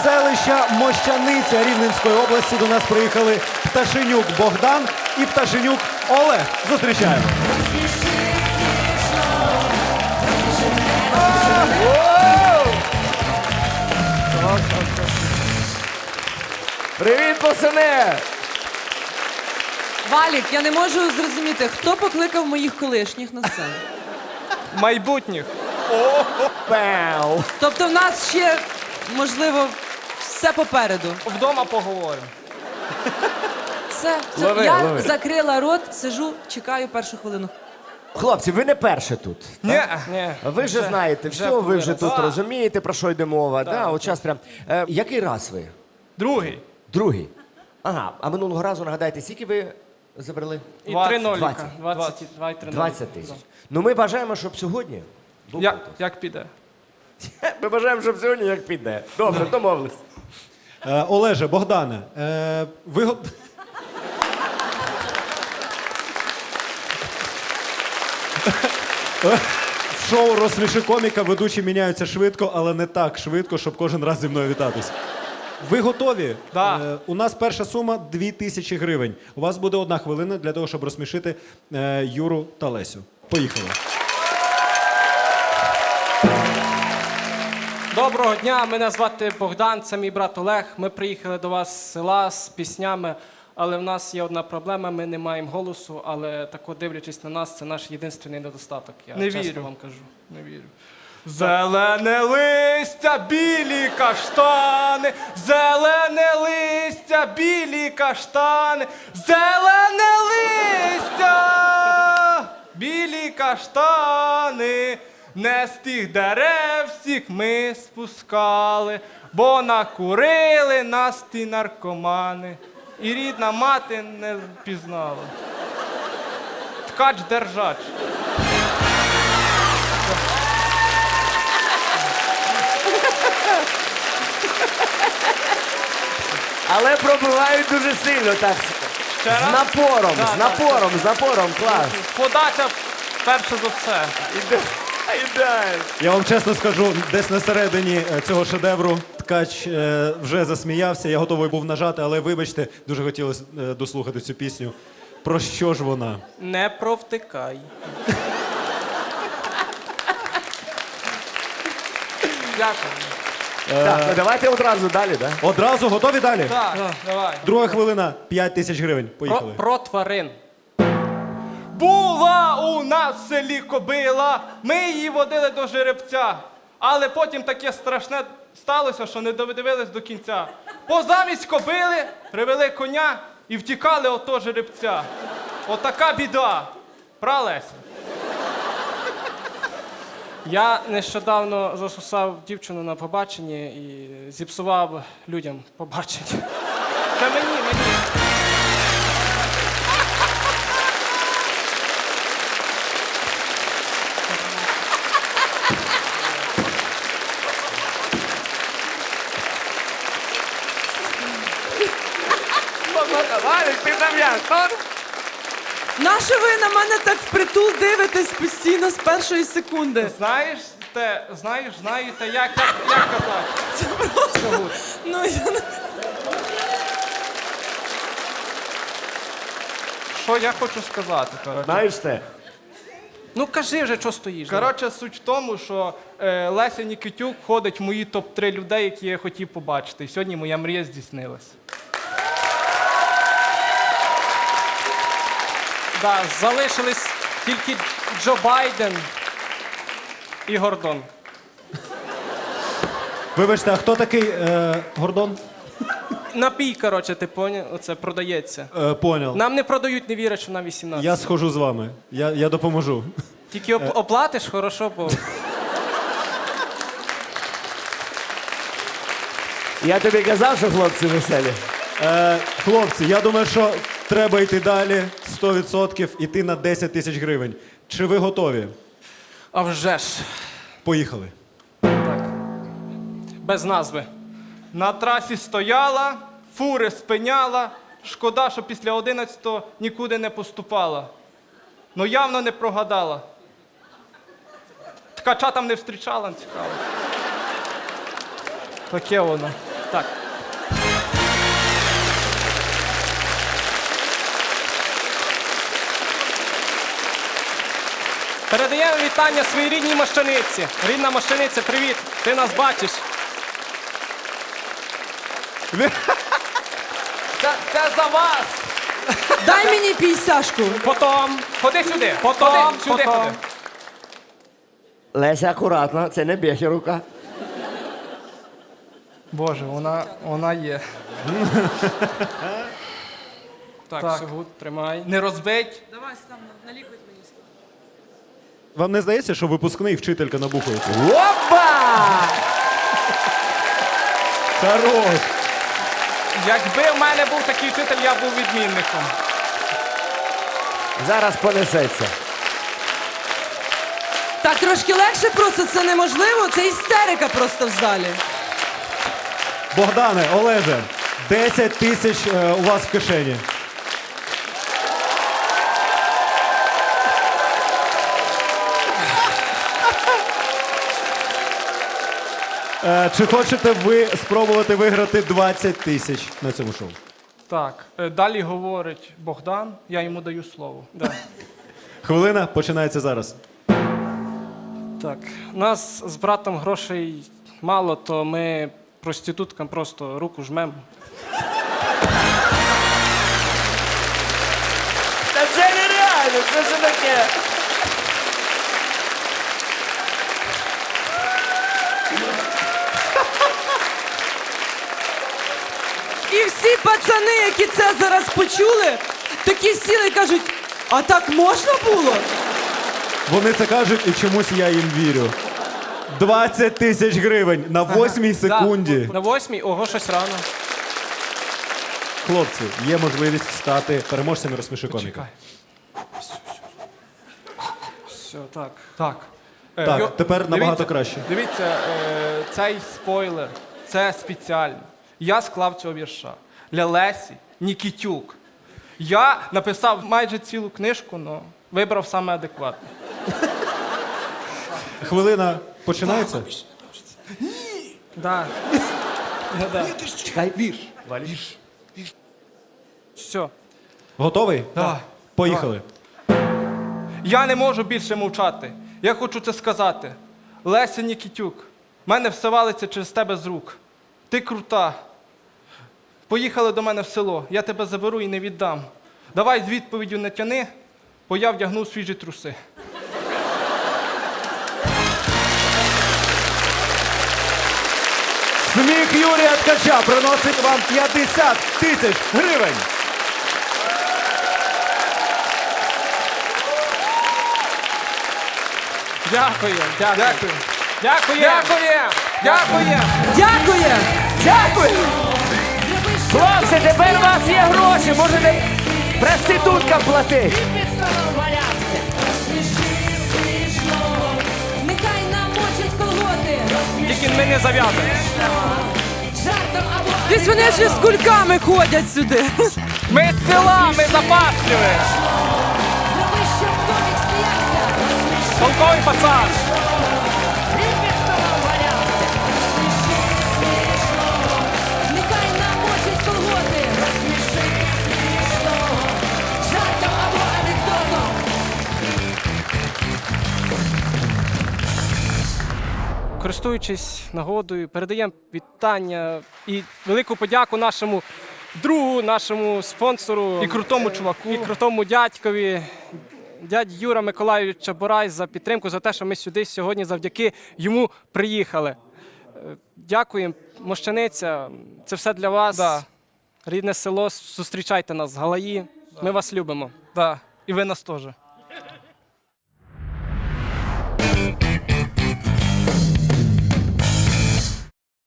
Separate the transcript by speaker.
Speaker 1: селища Мощаниця Рівненської області до нас приїхали Пташенюк Богдан і Пташенюк Олег. Зустрічаємо.
Speaker 2: Привіт, пацани!
Speaker 3: Валік, я не можу зрозуміти, хто покликав моїх колишніх на сцену?
Speaker 4: Майбутніх.
Speaker 2: Пау!
Speaker 3: Тобто в нас ще, можливо, все попереду.
Speaker 4: Вдома поговоримо.
Speaker 3: Все,
Speaker 2: Лови,
Speaker 3: я
Speaker 2: лови.
Speaker 3: закрила рот, сиджу, чекаю першу хвилину.
Speaker 2: Хлопці, ви не перші тут.
Speaker 4: Ні.
Speaker 2: Ви вже знаєте все, ви вже тут
Speaker 4: Так.
Speaker 2: розумієте, про що йде мова. Да, от час прям. Який раз ви?
Speaker 4: Другий.
Speaker 2: Другий. Ага, а минулого разу, нагадайте, скільки ви забрали?
Speaker 4: І
Speaker 2: 20.
Speaker 4: 3 ноліка.
Speaker 2: 20.
Speaker 4: 20.
Speaker 2: 20 тисяч. Ну ми бажаємо, щоб сьогодні був конкурс.
Speaker 4: Як піде?
Speaker 2: Ми бажаємо, щоб сьогодні як піде. Добре, домовились.
Speaker 1: Олеже, Богдане, ви... В шоу «Розсміши коміка» ведучі міняються швидко, але не так швидко, щоб кожен раз зі мною вітатись. Ви готові?
Speaker 4: Да.
Speaker 1: У нас перша сума 2000 гривень. У вас буде 1 хвилина для того, щоб розсмішити Юру та Лесю. Поїхали.
Speaker 4: Доброго дня, мене звати Богдан, це мій брат Олег. Ми приїхали до вас з села з піснями, але в нас є одна проблема, ми не маємо голосу, але тако дивлячись на нас, це наш єдиний недостаток. Я
Speaker 5: Не
Speaker 4: чесно
Speaker 5: вірю.
Speaker 4: вам кажу. Не вірю. Зелене листя, білі каштани, зелене листя, білі каштани, зелене листя, білі каштани. Не з тих дерев всіх ми спускали, бо накурили нас ті наркомани. І рідна мати не впізнала. Ткач-держач.
Speaker 2: Але пробивають дуже сильно, так.
Speaker 4: Ще раз?
Speaker 2: З напором,
Speaker 4: Да,
Speaker 2: з напором, з напором, клас.
Speaker 4: Подача перша за все.
Speaker 2: Ідеально.
Speaker 1: Я вам чесно скажу, десь на середині цього шедевру ткач вже засміявся. Я готовий був нажати, але вибачте, дуже хотілося дослухати цю пісню. Про що ж вона?
Speaker 4: Не провтикай. Дякую.
Speaker 2: Так, ну давайте одразу далі, да?
Speaker 1: Одразу готові далі?
Speaker 4: Так, давай.
Speaker 1: Друга хвилина, 5000 гривень. Поїхали.
Speaker 4: Про тварин. Була у нас в селі кобила, ми її водили до жеребця. Але потім таке страшне сталося, що не додивились до кінця. Позамість кобили привели коня і втікали от того жеребця. Отака біда. Пра, Леся? Я нещодавно засусав дівчину на побаченні і зіпсував людям побачення. Це мені.
Speaker 2: Валік, ти там як?
Speaker 3: Нащо ви на мене так впритул дивитесь постійно з першої секунди?
Speaker 4: Знаєте, як казати?
Speaker 3: Це просто... Ну, я не...
Speaker 4: Що я хочу сказати, коротше?
Speaker 2: Знаєш те?
Speaker 4: Ну кажи вже, що стоїш. Коротше, суть в тому, що Леся Нікітюк входить в мої топ-3 людей, які я хотів побачити. І сьогодні моя мрія здійснилась. Да, залишились тільки Джо Байден і Гордон.
Speaker 1: Вибачте, а хто такий Гордон?
Speaker 4: Напій, коротше, ти поняв? Оце продається.
Speaker 1: Поняв.
Speaker 4: Нам не продають, не вірять, що нам 18.
Speaker 1: Я схожу з вами. Я допоможу.
Speaker 4: Тільки оплатиш, хорошо, бо...
Speaker 2: Я тобі казав, що хлопці веселі.
Speaker 1: Хлопці, я думаю, що треба йти далі. 100% іти на 10 тисяч гривень. Чи ви готові?
Speaker 4: А вже ж.
Speaker 1: Поїхали.
Speaker 4: Без назви. На трасі стояла, фури спиняла. Шкода, що після 11-го нікуди не поступала. Ну явно не прогадала. Ткача там не встрічала, цікаво. Таке воно.
Speaker 5: Так. Передаємо вітання своїй рідній Мощаниці. Рідна Мощаниця, привіт! Ти нас бачиш.
Speaker 4: Це за вас!
Speaker 3: Дай мені пісяшку.
Speaker 5: Потом.
Speaker 4: Ходи сюди!
Speaker 5: Потом,
Speaker 4: Ходи, сюди
Speaker 5: потом.
Speaker 4: ходи.
Speaker 2: Леся, акуратно, це не б'є рука.
Speaker 4: Боже, вона є.
Speaker 5: Так,
Speaker 4: Так.
Speaker 5: Сюгут, тримай.
Speaker 4: Не розбить.
Speaker 3: Давай сам налікуй мені.
Speaker 1: Вам не здається, що випускний вчителька набухується?
Speaker 2: Опа!
Speaker 1: Хорош!
Speaker 4: Якби в мене був такий вчитель, я був відмінником.
Speaker 2: Зараз понесеться.
Speaker 3: Так трошки легше просто, це неможливо. Це істерика просто в залі.
Speaker 1: Богдане, Олеже, 10 тисяч у вас в кишені. Чи хочете ви спробувати виграти 20 тисяч на цьому шоу?
Speaker 4: Так, далі говорить Богдан, я йому даю слово.
Speaker 5: Да.
Speaker 1: Хвилина починається зараз.
Speaker 5: Так. У нас з братом грошей мало, то ми проституткам просто руку жмемо.
Speaker 2: Та це нереально, що це таке?
Speaker 3: І всі пацани, які це зараз почули, такі сіли і кажуть, а так можна було?
Speaker 1: Вони це кажуть, і чомусь я їм вірю. 20 тисяч гривень на 8-й секунді.
Speaker 5: На 8-й, ого, щось рано.
Speaker 1: Хлопці, є можливість стати переможцями «Розсміши коміка».
Speaker 4: Чекай.
Speaker 5: Все, так.
Speaker 4: Так.
Speaker 1: Так, тепер набагато краще.
Speaker 4: Дивіться, цей спойлер, це спеціально. Я склав цього вірша для Лесі Нікітюк. Я написав майже цілу книжку, але вибрав саме адекватне.
Speaker 1: Хвилина починається?
Speaker 5: Да. Ну, да.
Speaker 2: Чекай, вірш.
Speaker 5: Все.
Speaker 1: Готовий?
Speaker 4: Так.
Speaker 1: Поїхали.
Speaker 4: Я не можу більше мовчати. Я хочу це сказати. Леся Нікітюк, в мене все валиться через тебе з рук. Ти крута. Поїхали до мене в село, я тебе заберу і не віддам. Давай з відповіддю не тяни, бо я вдягнув свіжі труси.
Speaker 1: Сміх Юрія Ткача приносить вам 50 тисяч гривень.
Speaker 5: Дякую.
Speaker 4: Дякую.
Speaker 5: Дякую.
Speaker 4: Дякую! Дякую!
Speaker 3: Дякує!
Speaker 2: Дякую! Хлопці, тепер у вас є гроші, можете проституткам платити.
Speaker 6: Нехай намочить колоти.
Speaker 5: Тільки ми не зав'язуємо.
Speaker 6: Жартом або
Speaker 3: Десь вони ще з кульками ходять сюди.
Speaker 4: Ми з села, ми запасливі!
Speaker 6: зроби, щоб домік сміявся.
Speaker 5: Толковий пацан.
Speaker 6: Нехай намочить колоти. Розсміши смішного. Жартом або анекдотом.
Speaker 5: Користуючись нагодою, передаємо вітання і велику подяку нашому другу, нашому спонсору
Speaker 4: І крутому чуваку.
Speaker 5: і крутому дядькові, дядь Юра Миколайович Чабурай, за підтримку, за те, що ми сюди сьогодні завдяки йому приїхали. Дякуємо, Мощаниця, це все для вас.
Speaker 4: Да.
Speaker 5: Рідне село, зустрічайте нас, Галаї. Ми вас любимо.
Speaker 4: Да. І ви нас теж.